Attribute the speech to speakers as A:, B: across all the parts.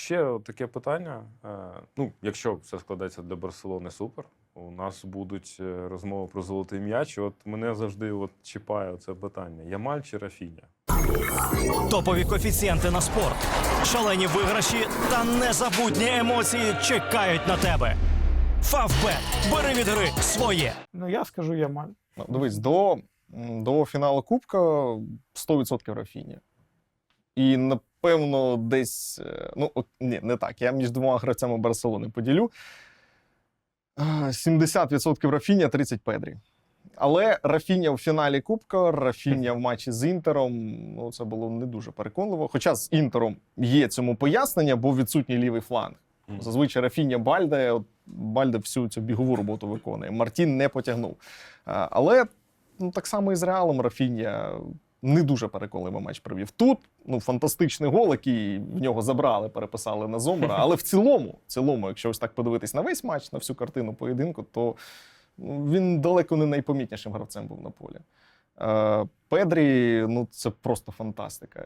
A: ще таке питання. Ну, якщо все складеться для Барселони, супер. У нас будуть розмови про золотий м'яч. От мене завжди чіпає це питання. Ямаль чи Рафіня?
B: Топові коефіцієнти на спорт, шалені виграші та незабутні емоції чекають на тебе. Фавбет. Бери від гри своє.
C: Ну, я скажу Ямаль.
D: Ну, дивись, до фіналу Кубка 100% Рафіня. І, напевно, десь... Ну, ні, не так. Я між двома гравцями Барселони поділю. 70% Рафіня, 30% Педрі. Але Рафіня в фіналі Кубка, Рафіня в матчі з Інтером, ну, це було не дуже переконливо. Хоча з Інтером є цьому пояснення, бо відсутній лівий фланг. Зазвичай Рафіня Бальде всю цю бігову роботу виконує. Мартін не потягнув. Але ну, так само і з Реалом Рафіня не дуже переконливий матч провів. Тут фантастичний гол, який в нього забрали, переписали на Зомера. Але в цілому, якщо ось так подивитись на весь матч, на всю картину поєдинку, то він далеко не найпомітнішим гравцем був на полі. Педрі, це просто фантастика.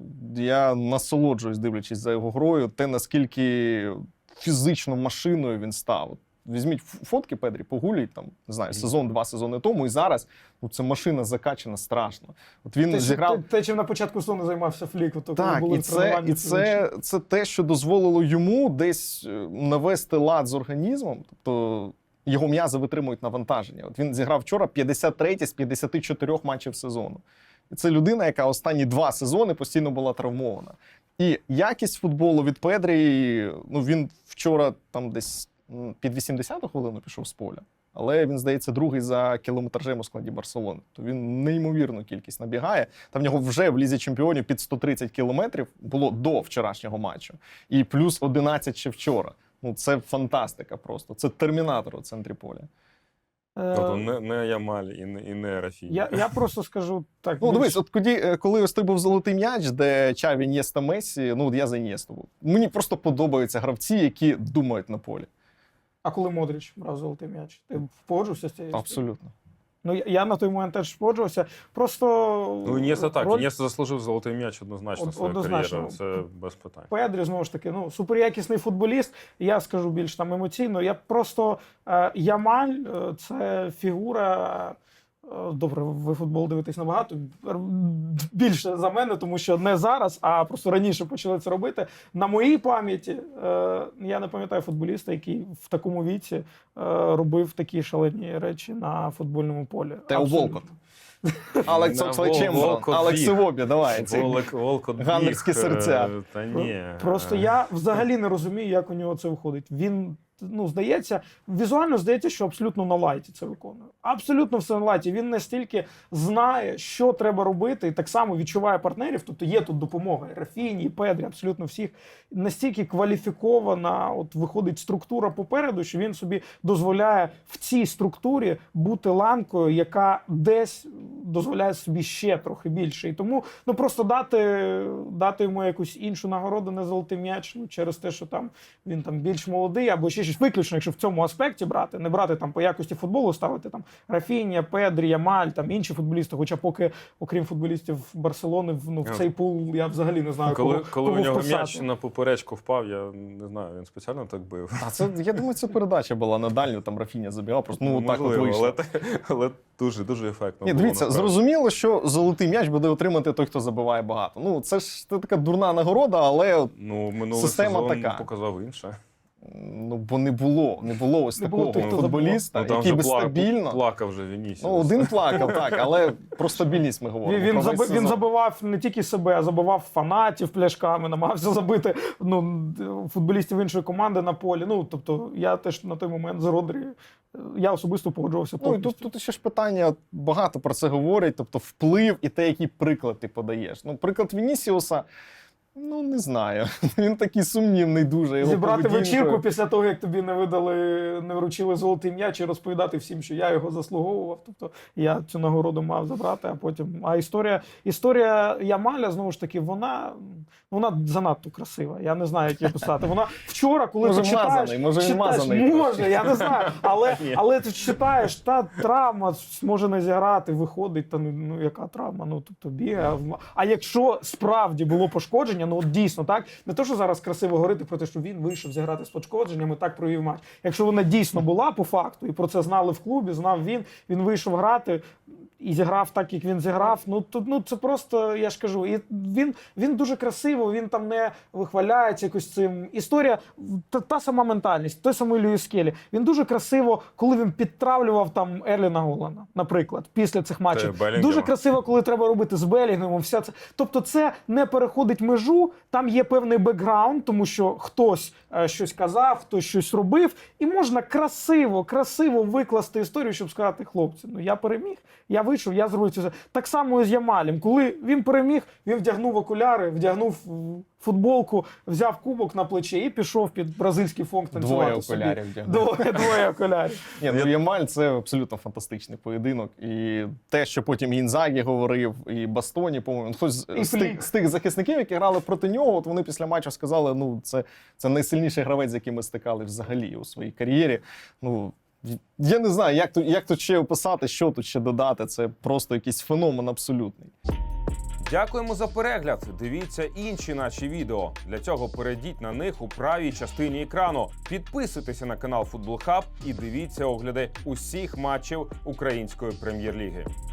D: Я насолоджуюсь, дивлячись за його грою, те, наскільки фізично машиною він став. Візьміть фотки Педрі, погуліть, там, не знаю, два сезони тому, і зараз це машина закачана страшно. От він зіграв...
C: Те, чим на початку сезону займався Флік.
D: Так, і це те, що дозволило йому десь навести лад з організмом, тобто його м'язи витримують навантаження. От він зіграв вчора 53 з 54 матчів сезону. І це людина, яка останні 2 сезони постійно була травмована. І якість футболу від Педрі, він вчора там десь під 80-ту хвилину пішов з поля. Але він, здається, другий за кілометражем у складі Барселони. То він неймовірну кількість набігає. Там в нього вже в Лізі Чемпіонів під 130 кілометрів було до вчорашнього матчу. І плюс 11 ще вчора. Це фантастика просто. Це термінатор у центрі поля.
A: Тобто не Ямаль і не Рафіня.
C: Я просто скажу так.
D: Дивись, от коли ось той був золотий м'яч, де Чаві, Ін'єста, Мессі, я за Ін'єсту був. Мені просто подобаються гравці, які думають на полі.
C: А коли Модріч брав золотий м'яч, ти погоджувався з цією?
D: Абсолютно.
C: Я на той момент теж погоджувався. Просто...
A: Ін'єста так. Ін'єста заслужив золотий м'яч однозначно свою кар'єру. Це без питань.
C: Педрі, знову ж таки, суперякісний футболіст. Я скажу більш там емоційно. Я просто... Ямаль – це фігура... Добре, ви футбол дивитесь набагато більше за мене, тому що не зараз, а просто раніше почали це робити. На моїй пам'яті я не пам'ятаю футболіста, який в такому віці робив такі шалені речі на футбольному полі.
D: Тео Волкот. Алекс Окслей-Чемберлен, Алекс Івобі, давай. Гаммерські серця.
A: Та ні.
C: Просто я взагалі не розумію, як у нього це виходить. Він, здається, візуально здається, що абсолютно на лайті це виконує. Абсолютно все на лайті. Він настільки знає, що треба робити, і так само відчуває партнерів. Тобто є тут допомога і Рафіні, і Педрі, абсолютно всіх. Настільки кваліфікована виходить структура попереду, що він собі дозволяє в цій структурі бути ланкою, яка десь дозволяє собі ще трохи більше. І тому просто дати йому якусь іншу нагороду, не золотий м'яч, через те, що він більш молодий, або ще щось виключно, якщо в цьому аспекті брати, не брати по якості футболу, ставити Рафіня, Педрі, Ямаль, інші футболісти, хоча поки, окрім футболістів Барселони, в цей пул я взагалі не знаю,
A: коли у нього м'яч на поперечку впав, я не знаю, він спеціально так бив.
D: Я думаю, це передача була на дальню, там Рафіня забігав, просто так от вийшло.
A: Але дуже ефектно.
D: Ні, дивіться, зрозуміло, що золотий м'яч буде отримати той, хто забиває багато. Це ж така дурна нагорода, але система така.
A: Показав інше.
D: Бо не було ось такого футболіста, який би стабільно...
A: Плакав вже Вінісіус.
D: Один плакав, так, але про стабільність ми говоримо.
C: Він забивав не тільки себе, а забивав фанатів пляшками, намагався забити футболістів іншої команди на полі. Тобто я теж на той момент з Родрі, я особисто погоджувався повністю.
D: Тут ще ж питання, багато про це говорять, тобто вплив і те, який приклад ти подаєш. Приклад Вінісіуса, не знаю. Він такий сумнівний дуже.
C: Зібрати вечірку після того, як тобі не вручили золотий м'яч і розповідати всім, що я його заслуговував. Тобто я цю нагороду мав забрати, а потім... А історія Ямаля, знову ж таки, вона занадто красива. Я не знаю, як її писати. Вона вчора, коли ти читаєш... Може, я не знаю. Але ти читаєш, та травма може не зіграти, виходить, яка травма? Тобто бігає. А якщо справді було пошкодження, пошкодження, ну от дійсно, так? Не то, що зараз красиво говорити про те, що він вийшов зіграти з пошкодженням і так провів матч. Якщо вона дійсно була по факту, і про це знали в клубі, знав він вийшов грати і зіграв так, як він зіграв, ну це просто, я ж кажу, і він дуже красиво, він там не вихваляється якось цим. Історія, та сама ментальність, той самий Льюіс Келлі. Він дуже красиво, коли він підтравлював там Ерліна Голланда, наприклад, після цих матчів.
A: Белінгема.
C: Дуже красиво, коли треба робити з Белінгемом, вся це. Тобто це не переходить межу, там є певний бекграунд, тому що хтось щось казав, хтось щось робив, і можна красиво викласти історію, щоб сказати, хлопці, ну я переміг, я вийшов, я зробив це. Так само і з Ямалем. Коли він переміг, він вдягнув окуляри, вдягнув футболку, взяв кубок на плече і пішов під бразильський фонк танцювати
D: Двоє
C: собі.
D: окулярів вдягнув.
C: Двоє окулярів.
D: Ні, ну Ямаль це абсолютно фантастичний поєдинок. І те, що потім Інзагі говорив, і Бастоні, по-моєму, хтось
C: І
D: з тих захисників, які грали проти нього, от вони після матчу сказали, ну це найсильніший гравець, з яким ми стикали взагалі у своїй кар'єрі. Ну, я не знаю, як тут ще описати, що тут ще додати. Це просто якийсь феномен абсолютний.
E: Дякуємо за перегляд. Дивіться інші наші відео. Для цього перейдіть на них у правій частині екрану. Підписуйтеся на канал Футбол Хаб і дивіться огляди усіх матчів Української прем'єр-ліги.